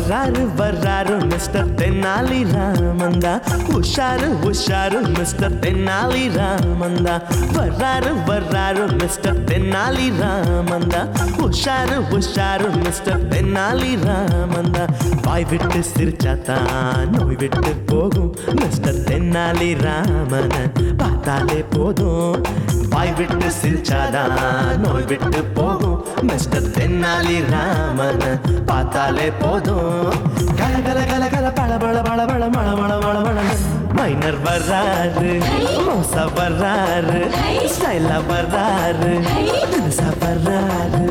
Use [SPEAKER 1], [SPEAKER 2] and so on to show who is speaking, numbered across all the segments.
[SPEAKER 1] வர்றாரு வர்றாரு மிஸ்டர் தென்னாலி ராமந்தா, உஷாரு உஷாரு மிஸ்டர் தென்னாலி ராமந்தா. வர்றாரு வர்றாரு மிஸ்டர் தென்னாலி ராமந்தா, உஷாரு உஷாரு மிஸ்டர் தென்னாலி ராமந்தா. வாய் விட்டு சிரிச்சாத்தான் நோய் விட்டு போகும் மிஸ்டர் தென்னாலி ராமன பார்த்தாலே போதும். வாய் விட்டு சிரிச்சாதான் நோய் விட்டு போகும் மிஸ்டர் தென்னாலி ராமன பார்த்தாலே போதும். கல கல கல கல பள பள பள பள மள மள மள மள. மைனர் வர்றாரு, மோசா வர்றாரு, ஸ்டைலா வர்றாரு, தினுசா வர்றாரு.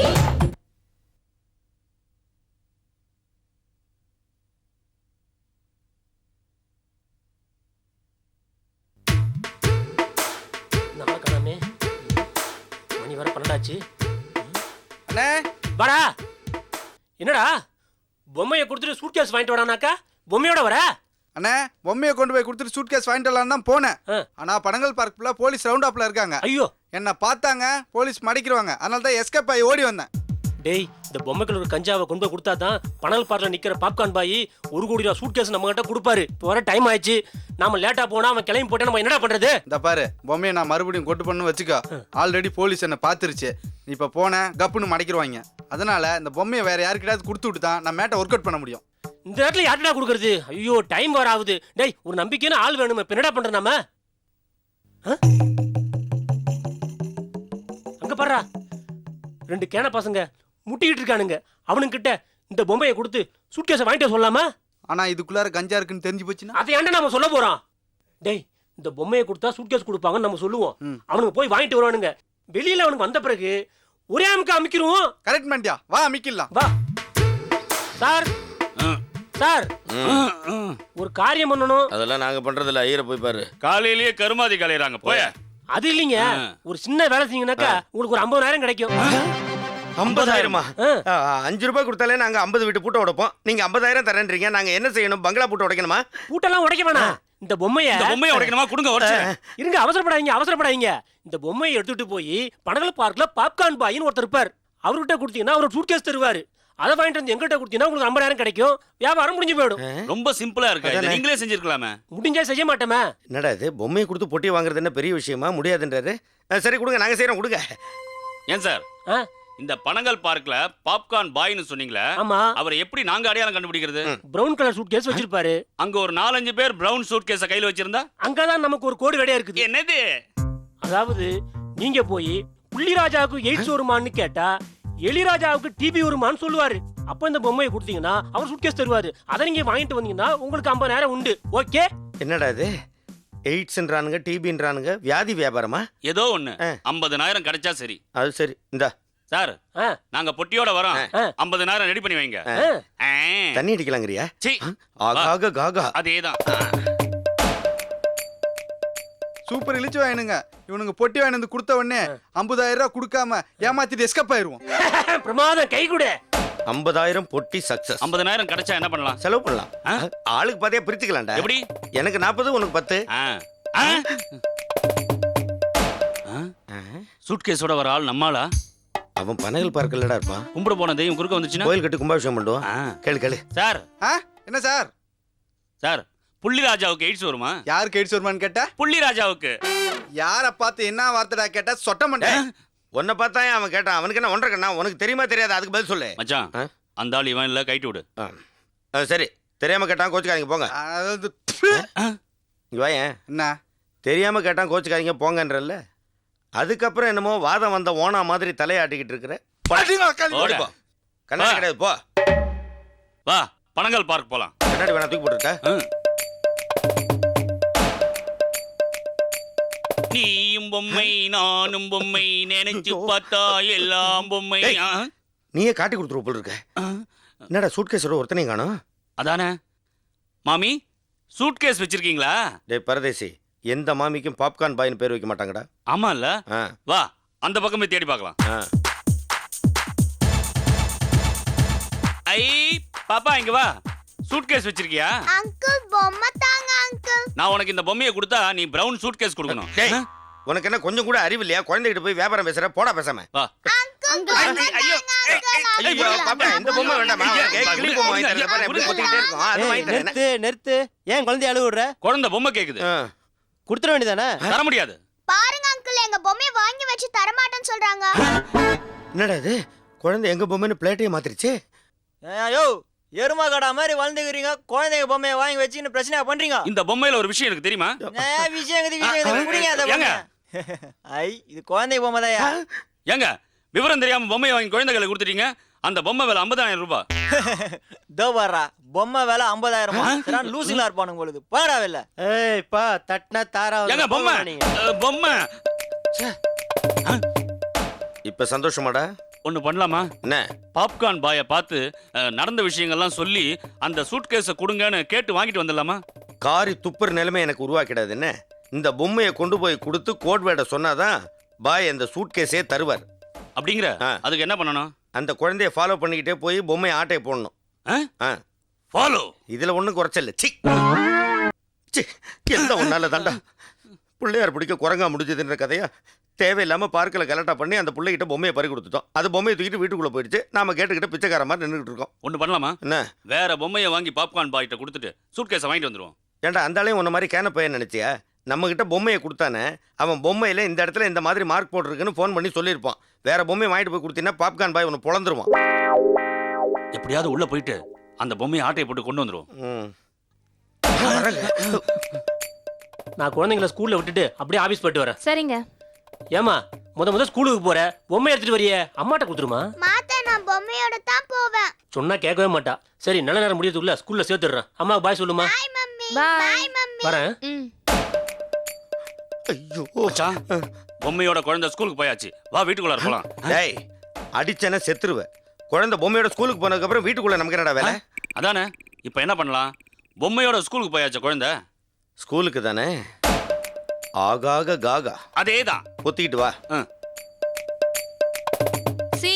[SPEAKER 2] மணி வர 12
[SPEAKER 3] அண்ணே
[SPEAKER 2] வாடா. என்னடா பொம்மையை கொடுத்துட்டு சூட்கேஸ் வாங்கிட்டு வரானாக்கா பொம்மையோட வர?
[SPEAKER 3] அண்ணே பொம்மையை கொண்டு போய் கொடுத்துட்டு சூட்கேஸ் வாங்கிட்டு வரலான்னு தான் போனேன். ஆனா பனங்கல் பார்க்குள்ள போலீஸ் ரவுண்ட் அப்ல இருக்காங்க.
[SPEAKER 2] ஐயோ,
[SPEAKER 3] என்ன பார்த்தாங்க, போலீஸ் மடிக்கிறவாங்க. அதனால தான் எஸ்கேப் ஆகி ஓடி வந்தேன்.
[SPEAKER 2] டேய், இந்த பொம்மைக்குள்ள ஒரு கஞ்சாவை கொண்டு போய் கொடுத்தா தான் பனல் பார்க்ல நிக்கிற பாப்கார்ன் பாய் 1 கோடி ரூபா சூட்கேஸ் நம்ம கிட்ட கொடுப்பாரு. இப்போ வர டைம் ஆயிடுச்சு, நாம லேட்டா போனா அவன் கிளம்பி போட்டா நம்ம என்னடா பண்றது?
[SPEAKER 3] இந்த பாரு, பொம்மையை நான் மறுபடியும் கொண்டு பண்ணு வச்சுக்கோ. ஆல்ரெடி போலீஸ் என்ன பாத்துருச்சு. இப்ப போன கப்புன்னு மடிக்கிறவாங்க. அதனால இந்த பொம்மையை வேற யாருக்கிட்டாவது கொடுத்து விட்டு தான் நான் மேட்டை ஒர்க் அவுட் பண்ண முடியும்.
[SPEAKER 2] இந்த இடத்துல யார்டா கொடுக்கறது? ஐயோ, டைம் வர ஆகுது. டேய், ஒரு நம்பிக்கையான ஆள் வேணும். இப்ப என்னடா பண்ற நாம? அங்க பாருடா, 2 கேன பசங்க முட்டிக்கிட்டு இருக்கானுங்க. அவனுங்கிட்ட இந்த பொம்மையை கொடுத்து சூட்கேஸை வாங்கிட்டு சொல்லலாமா?
[SPEAKER 3] ஆனா இதுக்குள்ளார கஞ்சா இருக்குன்னு தெரிஞ்சு போச்சுன்னா
[SPEAKER 2] அதை ஏன்டா நாம சொல்ல போறோம்? டேய், இந்த பொம்மையை கொடுத்தா சூட்கேஸ் கொடுப்பாங்கன்னு நம்ம சொல்லுவோம். அவனுக்கு போய் வாங்கிட்டு வருவானுங்க. வெளியில அவனுக்கு வந்த பிறகு ஒரே அமுக்க அமைக்கிருவோம்.
[SPEAKER 3] கரெக்ட் பண்ணியா? வா அமைக்கலாம்.
[SPEAKER 2] வா சார். சார், ஒரு காரியம் பண்ணணும்.
[SPEAKER 4] அதெல்லாம் நாங்க பண்றது இல்ல. ஐயரை போய் பாரு.
[SPEAKER 5] காலையிலேயே கருமாதி கலையறாங்க போய.
[SPEAKER 2] அது இல்லைங்க, ஒரு சின்ன வேலை செஞ்சீங்கன்னாக்கா உங்களுக்கு ஒரு 50,000 கிடைக்கும்.
[SPEAKER 4] 50,000மா? 5 ரூபாய் கொடுத்தாலே நாங்க 50 வீட்டு பூட்டை உடைப்போம். நீங்க 50,000 தரேன்றீங்க. நாங்க என்ன செய்யணும்? பங்களா பூட்டை உடைக்கணுமா?
[SPEAKER 2] பூட்டெல்லாம் உடைக்க வேணாம். இந்த பொம்மையை
[SPEAKER 5] உடைக்கணுமா? கொடுங்க உடைச்சு.
[SPEAKER 2] இருங்க, அவசரப்படாதீங்க. இந்த பொம்மையை எடுத்துட்டு போய் பனகல் பார்க்ல பாப்கார்ன் பாயின்னு ஒருத்தர் இருப்பார். அவர்கிட்ட கொடுத்தீங்கன்னா அவர் சூட்கேஸ் தருவாரு. அதை வாங்கிட்டு வந்து எங்கிட்ட கொடுத்தீங்கன்னா உங்களுக்கு 50,000 கிடைக்கும். வியாபாரம் முடிஞ்சு போயிடும்.
[SPEAKER 5] ரொம்ப சிம்பிளா இருக்கு. இதை நீங்களே செஞ்சிருக்கலாமே.
[SPEAKER 2] முடிஞ்சா செய்ய மாட்டோமே.
[SPEAKER 4] என்னடா இது, பொம்மையை கொடுத்து பொட்டி வாங்குறது என்ன பெரிய விஷயமா? முடியாதுன்றாரு. சரி கொடுங்க, நாங்க செய்யறோம், கொடுங்க.
[SPEAKER 5] ஏன் சார், இந்த பனங்கல் பார்க்ல பாப்கார்ன் பாய்னு சொன்னீங்களே, அவரை எப்படி நாங்க அடையாளம் கண்டுபிடிக்கிறது?
[SPEAKER 2] பிரவுன் கலர் சூட்கேஸ் வச்சிருப்பாரு.
[SPEAKER 5] அங்க ஒரு 4-5 பேர் பிரவுன் சூட்கேஸ கையில வச்சிருந்தா
[SPEAKER 2] அங்கதான் நமக்கு ஒரு கோடு வேடையா இருக்குது.
[SPEAKER 5] என்னது?
[SPEAKER 2] அதாவது நீங்க போய் புள்ளிராஜாவுக்கு எய்ட்ஸ் வருமான்னு கேட்டா எலிராஜாவுக்கு டிபி வருமான்னு சொல்லுவாரு. அப்ப இந்த பொம்மையை கொடுத்தீங்கன்னா அவர் சூட்கேஸ் தருவாரு. அதை நீங்க வாங்கிட்டு வந்தீங்கன்னா உங்களுக்கு 50,000 உண்டு. ஓகே?
[SPEAKER 4] என்னடா இது, எய்ட்ஸ்ன்றானுங்க, டிபின்றானுங்க, வியாதி வியாபாரமா?
[SPEAKER 5] ஏதோ ஒண்ணு. 50,000 கிடைச்சா சரி.
[SPEAKER 4] அது சரி. இந்தா
[SPEAKER 5] சார், நாங்க பொட்டியோட வரோம். 50,000 ரெடி பண்ணி வைங்க.
[SPEAKER 4] தண்ணி அடிக்கலாங்கறியா? ஆகாக காகா.
[SPEAKER 5] அதேதான்.
[SPEAKER 3] சூப்பர் இழிச்சு வாங்கினுங்க. இவனுங்க பொட்டி வாங்கி வந்து கொடுத்த உடனே 50,000 ரூபாய் கொடுக்காம ஏமாத்திட்டு எஸ்கேப் ஆயிருவோம்.
[SPEAKER 2] பிரமாதம், கை கொடு.
[SPEAKER 4] 50,000 பொட்டி சக்சஸ்.
[SPEAKER 5] 50,000 கிடைச்சா என்ன பண்ணலாம்?
[SPEAKER 4] செலவு பண்ணலாம். ஆளுக்கு பாதியா பிரிச்சுக்கலாம்டா.
[SPEAKER 5] எப்படி?
[SPEAKER 4] எனக்கு 40, உனக்கு 10.
[SPEAKER 5] சூட்கேஸோட வர ஆள் நம்மாளா?
[SPEAKER 4] அவன் பனகல் பார்க்கலடா இருப்பான்.
[SPEAKER 5] கும்பிட போன தெய்வம் குறுக்க வந்துச்சுன்னா
[SPEAKER 4] கோயில் கட்டி கும்பாபிஷேகம் பண்ணுவோம். கேளு.
[SPEAKER 5] சார்,
[SPEAKER 3] என்ன சார்?
[SPEAKER 5] சார், புள்ளிராஜாவுக்கு எய்ட்ஸ் வருமா?
[SPEAKER 3] யாருக்கு எய்ட்ஸ் வருமான்னு கேட்டா
[SPEAKER 5] புள்ளிராஜாவுக்கு.
[SPEAKER 3] யார பார்த்து என்ன வார்த்தைடா கேட்டா சொட்ட மாட்டேன்.
[SPEAKER 4] உன்னை பார்த்தா அவன் கேட்டான். அவனுக்கு என்ன 1.5 கண்ணா? உனக்கு தெரியுமா தெரியாது? அதுக்கு பதில் சொல்லு
[SPEAKER 5] மச்சான். அந்த ஆள் இவன் இல்ல, கைட்டு விடு.
[SPEAKER 4] சரி, தெரியாம கேட்டான், கோச்சுக்காதீங்க போங்க. இங்க வாயேன்.
[SPEAKER 3] என்ன
[SPEAKER 4] தெரியாம கேட்டான், கோச்சுக்காதீங்க போங்கன்றல்ல. அதுக்கப்புறம் என்னமோ வாதம் வந்த ஓனா மாதிரி தலையாட்டிக்கிட்டு இருக்கிற. கண்ணாடி கிடையாது, போ.
[SPEAKER 5] வா, பனங்கல் பார்க் போலாம்.
[SPEAKER 4] கண்ணாடி வேணா தூக்கி போட்டுருக்க.
[SPEAKER 5] நீயும் பொம்மை நானும் பொம்மை, நினைச்சு பார்த்தா எல்லாம் பொம்மை.
[SPEAKER 4] நீயே காட்டி கொடுத்துருவ போல இருக்க. என்னடா சூட்கேஸோட ஒருத்தனையும் காணோம்?
[SPEAKER 5] அதானே மாமி, சூட்கேஸ் வச்சிருக்கீங்களா?
[SPEAKER 4] டேய் பரதேசி, எந்த மாமிக்கும் பாப்கார்ன் பாய்னு பேர் வைக்க மாட்டாங்கடா.
[SPEAKER 5] ஆமா இல்ல? வா, அந்த பக்கமே தேடி பார்க்கலாம். ஐ பாப்பா, இங்க வா. சூட்கேஸ் வச்சிருக்கியா?
[SPEAKER 6] அங்கிள் பொம்மை தாங்க அங்கிள்.
[SPEAKER 5] நான் உனக்கு இந்த பொம்மையை கொடுத்தா நீ பிரவுன் சூட்கேஸ் கொடுக்கணும்.
[SPEAKER 4] உனக்கு என்ன கொஞ்சம் கூட அறிவு இல்லையா? குழந்தைகிட்ட போய் வியாபாரம் பேசுற? போடா பேசாம.
[SPEAKER 5] வா.
[SPEAKER 4] ஐயோ பாப்பா இந்த பொம்மை வேண்டாமா கிளி பொம்மை வாங்கி தரேன் பாரு எப்படி கொத்திட்டே இருக்கும் அது வாங்கி தரேன்
[SPEAKER 7] நிறுத்து ஏன் குழந்தைய அழுவ விடுற
[SPEAKER 5] குழந்தை பொம்மை கேக்குது
[SPEAKER 7] கொடுத்துட வேண்டியதானே
[SPEAKER 5] தர முடியாது
[SPEAKER 6] பாருங்க அங்கிள் எங்க பொம்மையை வாங்கி வச்சு தரமாட்டேன்னு சொல்றாங்க.
[SPEAKER 4] என்னடா இது குழந்தை எங்க பொம்மைன்னு பிளேட்டையே மாத்திருச்சு
[SPEAKER 7] ஐயோ எருமா கடா மாதிரி வளர்ந்துக்கிறீங்க குழந்தைங்க பொம்மையை வாங்கி வச்சுன்னு பிரச்சனை பண்றீங்க
[SPEAKER 5] இந்த பொம்மையில ஒரு விஷயம் எனக்கு தெரியுமா
[SPEAKER 7] விஷயம் ஐ இது குழந்தைங்க பொம்மை தான்
[SPEAKER 5] ஏங்க விவரம் தெரியாம பொம்மையை வாங்கி குழந்தைகளை கொடுத்துட்டீங்க அந்த பொம்மை விலை 50,000 ரூபாய்
[SPEAKER 7] தோ வர்றா பொம்மை விலை 50,000 லூசிங்களா இருப்பானுங்க பொழுது போடா வெளில ஏய் பா தட்டினா தாரா
[SPEAKER 5] ஏங்க பொம்மை பொம்மை
[SPEAKER 4] இப்ப சந்தோஷமாடா
[SPEAKER 5] ஒண்ணு பண்ணலாமா
[SPEAKER 4] என்ன
[SPEAKER 5] பாப்கார்ன் பாயை பார்த்து நடந்த விஷயங்கள்லாம் சொல்லி அந்த சூட்கேஸை கொடுங்கன்னு கேட்டு வாங்கிட்டு வந்துடலாமா
[SPEAKER 4] காரி துப்புற நிலைமை எனக்கு உருவாக்கிடாது என்ன இந்த பொம்மையை கொண்டு போய் கொடுத்து கோட் வேர்டை சொன்னாதான் பாய் அந்த சூட்கேஸே தருவார்
[SPEAKER 5] அப்படிங்கிற அதுக்கு என்ன பண்ணணும்
[SPEAKER 4] அந்த குழந்தைய ஃபாலோ பண்ணிக்கிட்டே போய் பொம்மையை ஆட்டையை போடணும்
[SPEAKER 5] ஃபாலோ
[SPEAKER 4] இதுல ஒண்ணும் குறைச்சல சி எல்லாம் ஒன்னால தாண்டா பிள்ளையார் பிடிக்க குரங்கா முடிஞ்சதுன்ற கதையா தேவையில்லாம பார்க்கல கலட்டா பண்ணி அந்த பிள்ளைகிட்ட பொம்மையை பறி கொடுத்துட்டோம் அது பொம்மையை தூக்கிட்டு வீட்டுக்குள்ள போயிடுச்சு நாம கேட்டுக்கிட்ட பிச்சைக்கார மாதிரி நின்றுட்டு இருக்கோம்
[SPEAKER 5] ஒண்ணு பண்ணலாமா
[SPEAKER 4] என்ன
[SPEAKER 5] வேற பொம்மையை வாங்கி பாப்கார்ன் பாய்கிட்ட கொடுத்துட்டு சூட்கேஸை வாங்கிட்டு வந்துருவோம்
[SPEAKER 4] ஏன்டா அந்த ஆளையும் உன்ன மாதிரி கேன பையன் நினைச்சியா நம்ம கிட்ட பொம்மையை கொடுத்தானே அவன் பொம்மையில இந்த இடத்துல இந்த மாதிரி மார்க் போட்டிருக்குன்னு ஃபோன் பண்ணி சொல்லியிருப்பான் வேற பொம்மையை வாங்கிட்டு போய் கொடுத்தீங்கன்னா பாப்கார்ன் பாய் உன்னை பொழந்துருவான்
[SPEAKER 5] எப்படியாவது உள்ள போயிட்டு அந்த பொம்மையை ஆட்டையை போட்டு கொண்டு வந்துருவோம்
[SPEAKER 2] நான் குழந்தைங்களை ஸ்கூல்ல விட்டுட்டு அப்படியே ஆபீஸ் போயிட்டு வரேன்.
[SPEAKER 8] சரிங்க.
[SPEAKER 2] ஏமா முத ஸ்கூலுக்கு போற பொம்மை எடுத்துட்டு வரியே அம்மாட்ட கொடுத்துருமா.
[SPEAKER 6] மாத்தா நான் பொம்மையோட தான் போவேன்.
[SPEAKER 2] சொன்னா கேட்கவே மாட்டா. சரி நல்ல நேரம் முடியதுக்குள்ள ஸ்கூல்ல சேர்த்துடுறேன். அம்மாவுக்கு பாய் சொல்லுமா.
[SPEAKER 6] Bye mummy.
[SPEAKER 8] Bye.
[SPEAKER 6] Bye mummy.
[SPEAKER 2] வரேன்.
[SPEAKER 4] ஐயோ
[SPEAKER 5] மச்சான், பொம்மையோட குழந்தை ஸ்கூலுக்கு போயாச்சு. வா வீட்டுக்குள்ள இருக்கலாம்.
[SPEAKER 4] டேய் அடிச்சேன்னா செத்துருவ. குழந்தை பொம்மையோட ஸ்கூலுக்கு போனதுக்கு அப்புறம் வீட்டுக்குள்ள நமக்கு என்னடா வேலை?
[SPEAKER 5] அதானே இப்போ என்ன பண்ணலாம்? பொம்மையோட ஸ்கூலுக்கு போயாச்சு குழந்தை.
[SPEAKER 4] ஸ்கூலுக்கு தானே. ஆகாக காகா
[SPEAKER 5] அதேதான்.
[SPEAKER 4] பொத்திக்கிட்டு வா.
[SPEAKER 8] C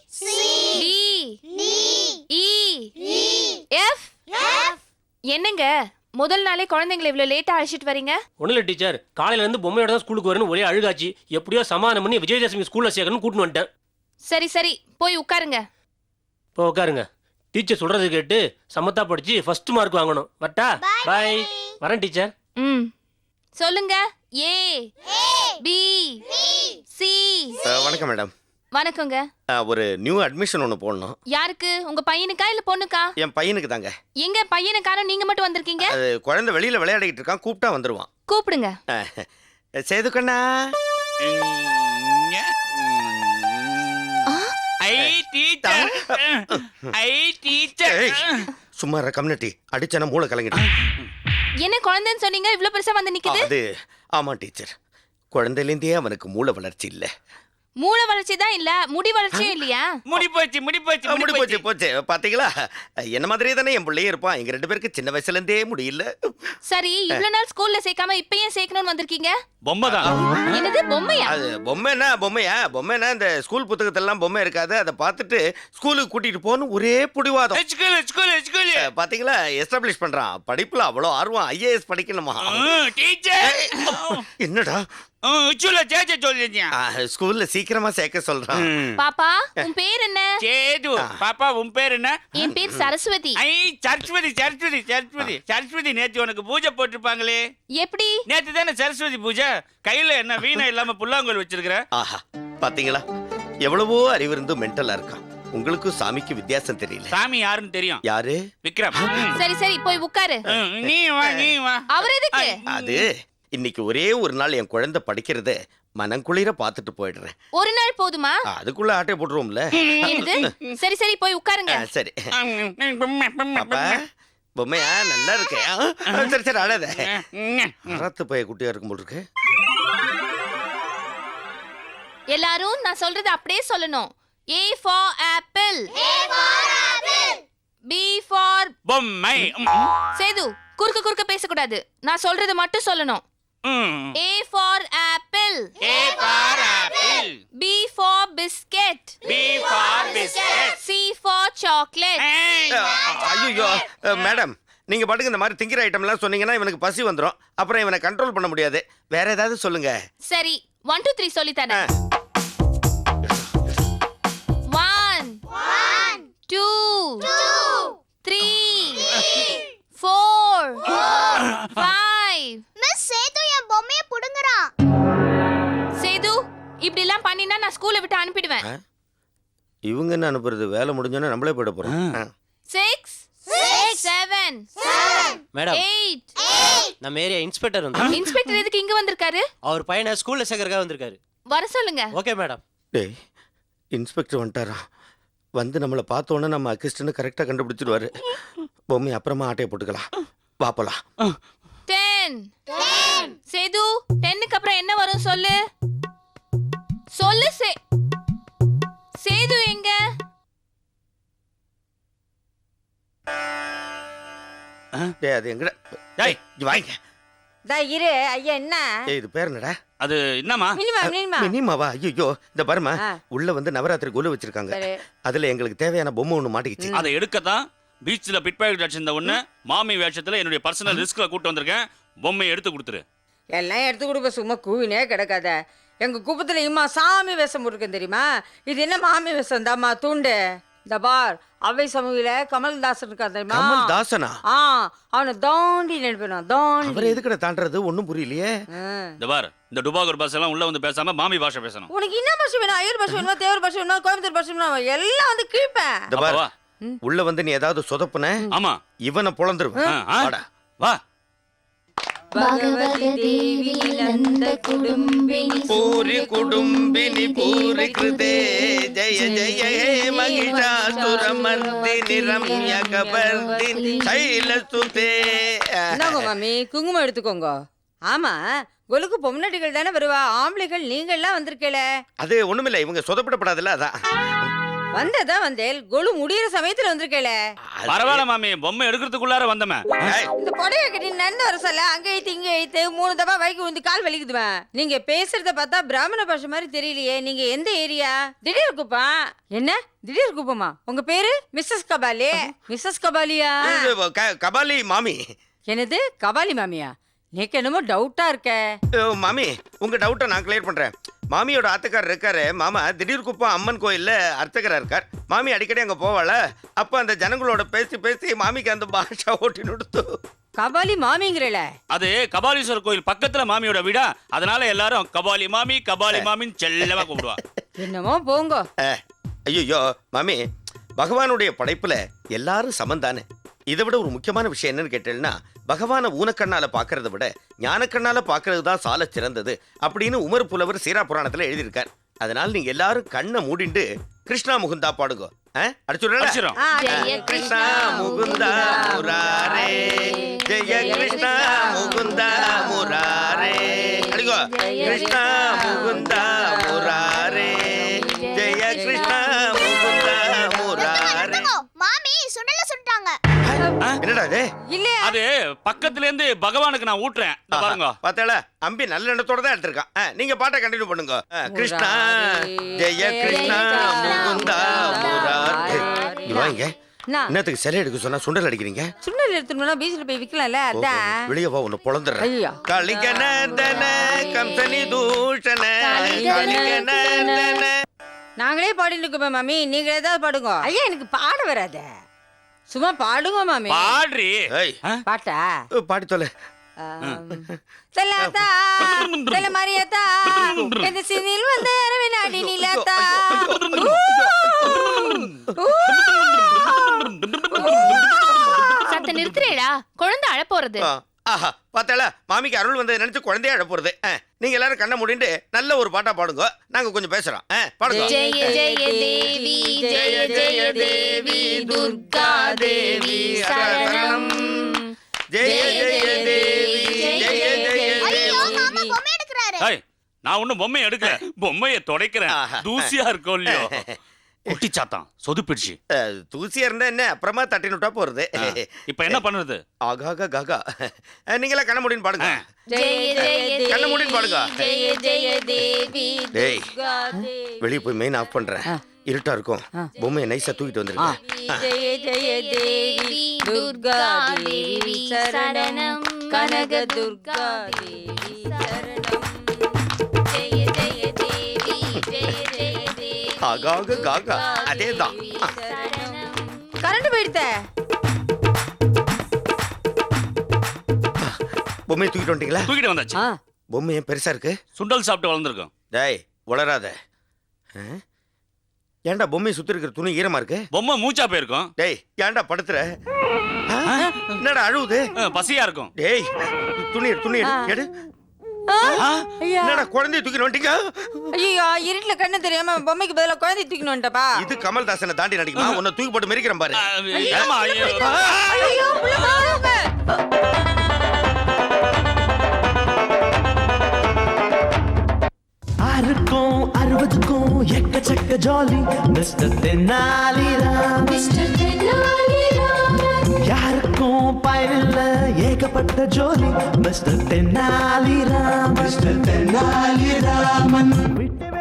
[SPEAKER 8] D E F. என்னங்க முதல் நாளே குழந்தைங்களை இவ்வளவு லேட்டா அழைச்சிட்டு வரீங்க?
[SPEAKER 2] ஒண்ணு இல்ல டீச்சர், காலையில இருந்து பொம்மையோட தான் ஸ்கூலுக்கு வரணும் ஒரே அழுகாச்சு. எப்படியோ சமாதானம் பண்ணி விஜயதசமி ஸ்கூல்ல சேர்க்கணும்னு கூட்டிட்டு வந்துட்டேன்.
[SPEAKER 8] சரி சரி போய் உட்காருங்க.
[SPEAKER 2] இப்போ உட்காருங்க. டீச்சர் சொல்றது கேட்டு சமத்தா படிச்சு ஃபர்ஸ்ட் மார்க் வாங்கணும். வட்டா பாய். வரேன் டீச்சர்.
[SPEAKER 8] சொல்லுங்க. A B C.
[SPEAKER 4] வணக்கம் மேடம்.
[SPEAKER 8] வணக்கங்க.
[SPEAKER 4] ஒரு நியூ அட்மிஷன் ஒன்று போடணும்.
[SPEAKER 8] யாருக்கு? உங்க பையனுக்கா இல்ல பொண்ணுக்கா?
[SPEAKER 4] என் பையனுக்கு தாங்க.
[SPEAKER 8] எங்க பையனுக்காரன் நீங்க மட்டும் வந்திருக்கீங்க?
[SPEAKER 4] அது குழந்தை வெளியில விளையாடிட்டு இருக்கான், கூப்பிட்டா வந்துருவான்.
[SPEAKER 8] கூப்பிடுங்க.
[SPEAKER 4] சேது கண்ணா. சும்மா கம்யூனிட்டி அடிச்சன மூளை கலங்கிட்டு.
[SPEAKER 8] என்ன குழந்தைன்னு சொன்னீங்க, இவ்ளோ பெருசா வந்து நிக்குது?
[SPEAKER 4] அது ஆமா டீச்சர், குழந்தையிலேருந்தே அவனுக்கு மூளை வளர்ச்சி இல்ல.
[SPEAKER 8] மூளை வளர்ச்சி தான் இல்ல, முடி வளர்ச்சியும் இல்லையா?
[SPEAKER 5] முடி போச்சு
[SPEAKER 4] போச்சு. பாத்தீங்களா, என்ன மாதிரியே தானே என் பிள்ளையே இருப்பான். எங்க ரெண்டு பேருக்கு சின்ன வயசுல இருந்தே முடியல.
[SPEAKER 8] சரி, இவ்வளவு நாள் ஸ்கூல்ல சேர்க்காம இப்ப ஏன் சேர்க்கணும்னு வந்திருக்கீங்க?
[SPEAKER 5] பொம்மைதான்.
[SPEAKER 8] என்னது பொம்மையா?
[SPEAKER 4] அது பொம்மைனா பொம்மைனா இந்த ஸ்கூல் புத்தகத்தெல்லாம் பொம்மை இருக்காது, அதை பார்த்துட்டு ஸ்கூலுக்கு கூட்டிட்டு போகணும் ஒரே புடிவாதம். பாத்தீங்களா, எஸ்டாப்ளிஷ் பண்றான். படிப்புல அவ்வளவு ஆர்வம். IAS படிக்கணுமா? என்னடா ஸ்கூல்ல சீக்கிரமா சேர்க்க சொல்றான்.
[SPEAKER 8] பாப்பா உன் பேர் என்ன?
[SPEAKER 5] சேது. பாப்பா உன் பேர் என்ன?
[SPEAKER 8] என் பேர் சரஸ்வதி.
[SPEAKER 5] சரஸ்வதி நேத்து உனக்கு பூஜை போட்டிருப்பாங்களே,
[SPEAKER 8] எப்படி?
[SPEAKER 5] நேத்து தானே சரஸ்வதி பூஜை. கையில என்ன வீணை இல்லாம புல்லாங்குழல் வச்சிருக்கிற?
[SPEAKER 4] ஆஹா, பாத்தீங்களா, எவ்வளவோ அறிவு இருந்தும் மென்டலா இருக்கான். உங்களுக்கு சாமிக்கு வித்தியாசம் தெரியல.
[SPEAKER 5] சாமி யாருன்னு தெரியும்.
[SPEAKER 4] யாரு?
[SPEAKER 5] விக்ரம்.
[SPEAKER 8] சரி சரி போய் உட்காரு.
[SPEAKER 5] நீ வா.
[SPEAKER 8] அவர் எதுக்கு?
[SPEAKER 4] அது இன்னைக்கு ஒரே ஒரு நாள் என் குழந்தை படிக்கிறத மனங்குளிர பாத்துட்டு போயிடுறேன்.
[SPEAKER 8] ஒரு நாள் போதுமா?
[SPEAKER 4] அதுக்குள்ள ஆட்டை போட்டுருவோம்ல.
[SPEAKER 8] என்னது? சரி சரி போய் உட்காருங்க.
[SPEAKER 4] சரி பாப்பா, பொம்மையா நல்லா இருக்கே. சரி சரி அழாத. அறத்து பைய குட்டியா இருக்கும் போல் இருக்கு.
[SPEAKER 8] எல்லாரும் நான் சொல்றது அப்படியே சொல்லணும். A for apple. B for
[SPEAKER 5] பொம்மை.
[SPEAKER 8] சேது குறுக்க பேசக்கூடாது. நான் சொல்றது மட்டும் சொல்லணும். A for apple. B for biscuit. C for chocolate.
[SPEAKER 4] ஐயோ மேடம், நீங்க பாட்டுக்கு இந்த மாதிரி திங்கிற ஐட்டம் எல்லாம் சொன்னீங்கன்னா இவனுக்கு பசி வந்துடும். அப்புறம் இவனை கண்ட்ரோல் பண்ண முடியாது. வேற ஏதாவது சொல்லுங்க.
[SPEAKER 8] சரி 1 2 3 சொல்லி தரேன். 2 3 4 5
[SPEAKER 6] மிஸ் சேது என் பொம்மையை புடுங்குறான்.
[SPEAKER 8] சேது இப்படி எல்லாம் பண்ணினா நான் ஸ்கூலை விட்டு அனுப்பிடுவேன்.
[SPEAKER 4] இவங்க என்ன அனுப்புறது? வேலை முடிஞ்சோன்னா நம்மளே போயிட போறோம்.
[SPEAKER 8] 6 7
[SPEAKER 9] மேடம்
[SPEAKER 8] 8
[SPEAKER 9] நம்ம ஏரியா இன்ஸ்பெக்டர் வந்து
[SPEAKER 8] இன்ஸ்பெக்டர் எதுக்கு இங்க வந்திருக்காரு?
[SPEAKER 9] அவர் பையனை ஸ்கூல்ல சேர்க்கறதுக்காக வந்திருக்காரு.
[SPEAKER 8] வர சொல்லுங்க.
[SPEAKER 9] Okay madam.
[SPEAKER 4] டேய், இன்ஸ்பெக்டர் வந்துட்டாரா? வந்து நம்மளை பார்த்தோன்னே நம்ம அக்கிஸ்டன்னு கரெக்டாக கண்டுபிடிச்சிடுவாரு. பொம்மை அப்புறமா ஆட்டையை போட்டுக்கலாம். வா போலாம்.
[SPEAKER 8] 10 சேது 10க்கு அப்புறம் என்ன வரும் சொல்லு சொல்லு. சேது எங்க?
[SPEAKER 4] டேய், அது எங்கடா? டேய், இங்க வாங்க.
[SPEAKER 10] இரு ஐயா. என்ன
[SPEAKER 4] ஏய், இது பேர் என்னடா?
[SPEAKER 5] அது என்னமா?
[SPEAKER 4] மினிமாவா? ஐயோ, இந்த பாருமா, உள்ள வந்து நவராத்திரி கொலு வச்சிருக்காங்க. அதுல எங்களுக்கு தேவையான பொம்மை ஒண்ணு மாட்டிக்கிச்சு.
[SPEAKER 5] அதை எடுக்கத்தான் பீச்ல பிட் பாக்கெட் அடிச்சிருந்த ஒண்ணு மாமி வேஷத்துல என்னுடைய பர்சனல் ரிஸ்க்ல கூட்டு வந்திருக்கேன். பொம்மையை எடுத்து கொடுத்துரு.
[SPEAKER 10] எல்லாம் எடுத்து கொடுப்ப, சும்மா கூவினே கிடக்காத. எங்க குப்பத்துல இம்மா சாமி வேஷம் இருக்கு தெரியுமா? இது என்ன மாமி வேஷம் தாம்மா தூண்டு. இந்த பார், அவை சமூகில கமல்தாசன் இருக்கா தெரியுமா?
[SPEAKER 4] கமல்தாசனா?
[SPEAKER 10] அவனை தாண்டி நினைப்பேன். தாண்டி
[SPEAKER 4] அவர் எதுக்கட தாண்டறது? ஒண்ணும் புரியலையே.
[SPEAKER 5] இந்த பார், இந்த டுபாகூர் பாஷை எல்லாம் உள்ள வந்து பேசாம மாமி பாஷை பேசணும்.
[SPEAKER 10] உனக்கு என்ன பாஷை வேணும்? ஐயர் பாஷை வேணுமா? தேவர் பாஷை வேணுமா? கோயம்புத்தூர் பாஷை வேணுமா? எல்லாம் வந்து கீழ்ப்பேன்.
[SPEAKER 4] இந்த பார், உள்ள வந்து நீ ஏதாவது சொதப்புன,
[SPEAKER 5] ஆமா,
[SPEAKER 4] இவனை பொளந்துருவேன்.
[SPEAKER 5] வாடா, வா.
[SPEAKER 10] भगवती देवी नंद कुडुम्बिनी
[SPEAKER 4] पूरी कुडुम्बिनी पूरी कृते जय जय हे महिषासुरमर्दिनी रम्यकपर्दिनी शैलसुते.
[SPEAKER 10] இந்தாங்க மாமி, குங்குமம் எடுத்துக்கோங்க. ஆமா, கொலுக்கு பொம்னாட்டிகள் தானே வருவா, ஆம்பளைகள் நீங்கள்லாம் வந்திருக்கல.
[SPEAKER 4] அது ஒண்ணுமில்ல, இவங்க சொதப்படப்படாதுல்ல, அதான்
[SPEAKER 10] வந்ததா வந்தேல். கொலு முடியிற சமயத்துல வந்திருக்கல.
[SPEAKER 5] பரவாயில்ல மாமி, பொம்மை எடுக்கிறதுக்குள்ளார வந்தமே.
[SPEAKER 10] இந்த புடவை கட்டி நன்னு வர சொல்ல அங்க ஐத்து இங்க ஐத்து 3 தடவை வைக்கு வந்து கால் வலிக்குதுவேன். நீங்க பேசுறத பார்த்தா பிராமண பாஷை மாதிரி தெரியலையே. நீங்க எந்த ஏரியா? திடீர் குப்பம். என்ன திடீர் குப்பமா? உங்க பேரு மிஸ்ஸஸ் கபாலி? மிஸ்ஸஸ் கபாலியா?
[SPEAKER 4] கபாலி மாமி.
[SPEAKER 10] என்னது கபாலி மாமியா? நீக்கு என்னமோ டவுட்டா இருக்க.
[SPEAKER 4] மாமி, உங்க டவுட்டை நான் கிளியர் பண்றேன். மாமியோட ஆத்துக்காரர் இருக்காரு மாமா, திடீர் குப்பம் அம்மன் கோயில்ல அர்ச்சகரா இருக்கார். மாமி அடிக்கடி அங்க போவாள, அப்ப அந்த ஜனங்களோட பேசி பேசி மாமிக்கு அந்த பாஷா ஓட்டி நுடுத்து.
[SPEAKER 10] கபாலி மாமிங்கிறல?
[SPEAKER 5] அது கபாலீஸ்வரர் கோயில் பக்கத்துல மாமியோட வீடா, அதனால எல்லாரும் கபாலி மாமி கபாலி மாமின்னு செல்லமா கூப்பிடுவா.
[SPEAKER 10] என்னமோ போங்க.
[SPEAKER 4] ஐயோ மாமி, பகவானுடைய படைப்புல எல்லாரும் சமந்தானே. இதை விட ஒரு முக்கியமான விஷயம் என்னன்னு கேட்டேன்னா, பகவானை ஊனக்கண்ணால பாக்குறத விட ஞானக்கண்ணால பாக்குறது தான் சால சிறந்தது அப்படின்னு உமர் புலவர் சீரா புராணத்துல எழுதியிருக்கார். அதனால நீங்க எல்லாரும் கண்ணை மூடிண்டு கிருஷ்ணா முகுந்தா பாடுங்க. அடிச்சுடுறேன். கிருஷ்ணா முகுந்தா முராரே, ஜெய கிருஷ்ணா முகுந்தா முராரே. அடிக்கோ, கிருஷ்ணா முகுந்தா முராரே, ஜெய கிருஷ்ணா முகுந்தா முராரே.
[SPEAKER 6] மாமி சுடல சுட்டாங்க.
[SPEAKER 4] என்னடா இது?
[SPEAKER 10] இல்ல,
[SPEAKER 5] அது பக்கத்துல இருந்து பகவானுக்கு நான் ஊட்டுறேன். பாருங்க,
[SPEAKER 4] பாத்தேல, அம்பி நல்ல எண்ணத்தோட தான் எடுத்திருக்கான். நீங்க பாட்டை கண்டினியூ பண்ணுங்க. கிருஷ்ணா ஜெய கிருஷ்ணா முகுந்தா முராரே. இவாங்க என்னத்துக்கு சிலை எடுக்க சொன்னா சுண்டல் அடிக்கிறீங்க?
[SPEAKER 10] சுண்டல் எடுத்துனா பீச்ல போய் விக்கலாம்ல, அதான்.
[SPEAKER 4] வெளியே வா, உன்னை பொளந்துறேன்.
[SPEAKER 10] ஐயா,
[SPEAKER 4] கலிகனந்தன கம்சனி தூஷண கலிகனந்தன.
[SPEAKER 10] நாங்களே பாடிட்டு இருக்கோம் மாமி, நீங்க ஏதாவது பாடுங்க. ஐயா, எனக்கு பாட வராத, சும்மா பாடுங்க மாமி.
[SPEAKER 5] பாடுறி.
[SPEAKER 10] பாட்டா
[SPEAKER 4] பாடி தொலை.
[SPEAKER 10] தலாத்தா தல மரியத்தா இந்த சினில் வந்து அரவினாடி நிலாத்தா.
[SPEAKER 8] சத்த நிறுத்துறேடா, குழந்தை அழ போறது.
[SPEAKER 4] ஆஹா, பாத்தாளா, மாமிக்கு அருள் வந்ததை நினைச்சு குழந்தைய அழ போறது. நீங்க எல்லாரும் கண்ணை மூடிட்டு நல்ல ஒரு பாட்டா பாடுங்க, நாங்க கொஞ்சம் பேசுறோம். பாடுங்க.
[SPEAKER 8] ஜெய ஜெய தேவி ஜெய ஜெய தேவி துர்கா தேவி சரணம்.
[SPEAKER 4] ஜெய ஜெய தேவி ஜெய ஜெய
[SPEAKER 6] ஐயோ மாமா பொம்மை எடுக்கறாரு.
[SPEAKER 5] நான் ஒண்ணும் பொம்மையை எடுக்கல, பொம்மையை துடைக்கிறேன். தூசியா இருக்கோ இல்லையோ, குட்டிச்சாத்தான் சொதுப்பிடுச்சு.
[SPEAKER 4] தூசியா இருந்தா என்ன, அப்புறமா தட்டி விட்டா போறது.
[SPEAKER 5] இப்ப என்ன பண்றது?
[SPEAKER 4] ஆகாக காகா. நீங்களா கண்ண முடின்னு பாடுங்க.
[SPEAKER 8] ஜெய ஜெய
[SPEAKER 4] கண்ண முடின்னு பாடுங்க.
[SPEAKER 8] ஜெய ஜெய தேவி
[SPEAKER 4] டேய்,
[SPEAKER 10] துர்கா தேவி.
[SPEAKER 4] வெளியே போய் மெயின் ஆஃப் பண்றேன், இருட்டா இருக்கும். பொம்மையை நைஸா தூக்கிட்டு வந்துருங்க.
[SPEAKER 10] ஜெய ஜெய தேவி துர்கா தேவி சரணம், கனக துர்கா தேவி சரணம்.
[SPEAKER 8] ஜெய ஜெய தேவி ஜெய ஜெய தேவி
[SPEAKER 4] ஆகாக காகா, அதேதான்.
[SPEAKER 8] சரணம்.
[SPEAKER 10] கரண்ட் போயிடுத்த.
[SPEAKER 4] பொம்மையை தூக்கிட்டு வந்துட்டீங்களா?
[SPEAKER 5] தூக்கிட்டு வந்தாச்சு.
[SPEAKER 4] பொம்மை ஏன் பெருசா இருக்கு?
[SPEAKER 5] சுண்டல் சாப்பிட்டு வளர்ந்துருக்கோம்.
[SPEAKER 4] டேய் உளராத. ஏன்டா பொம்மையை சுத்தி இருக்கிற துணி ஈரமா இருக்கு?
[SPEAKER 5] பொம்மை மூச்சா போயிருக்கும்.
[SPEAKER 4] டேய் ஏன்டா படுத்துற? என்னடா அழுவுது?
[SPEAKER 5] பசியா இருக்கும்.
[SPEAKER 4] டேய் துணி எடு. என்னடா குழந்தைய தூக்கிட்டு வந்துட்டீங்க?
[SPEAKER 10] ஐயோ இருட்டுல கண்ணு தெரியாம பொம்மைக்கு பதிலா குழந்தை தூக்கிட்டு வந்துட்டப்பா.
[SPEAKER 4] இது கமல்தாசனை தாண்டி நடிக்குமா? உன்னை தூக்கி போட்டு மெரிக்கிறேன் பாரு.
[SPEAKER 5] ஏமா ஐயோ.
[SPEAKER 10] ஐயோ புள்ள பாருங்க.
[SPEAKER 1] ஆறுக்கும் 60க்கும் எக்கச்சக்க ஜாலி மிஸ்டர் தென்னாலிராம். யாருக்கும் பயனில்ல ஏகப்பட்ட ஜோலி மிஸ்டர் தென்னாலிராம். மிஸ்டர் தென்னாலிராமன் விட்டு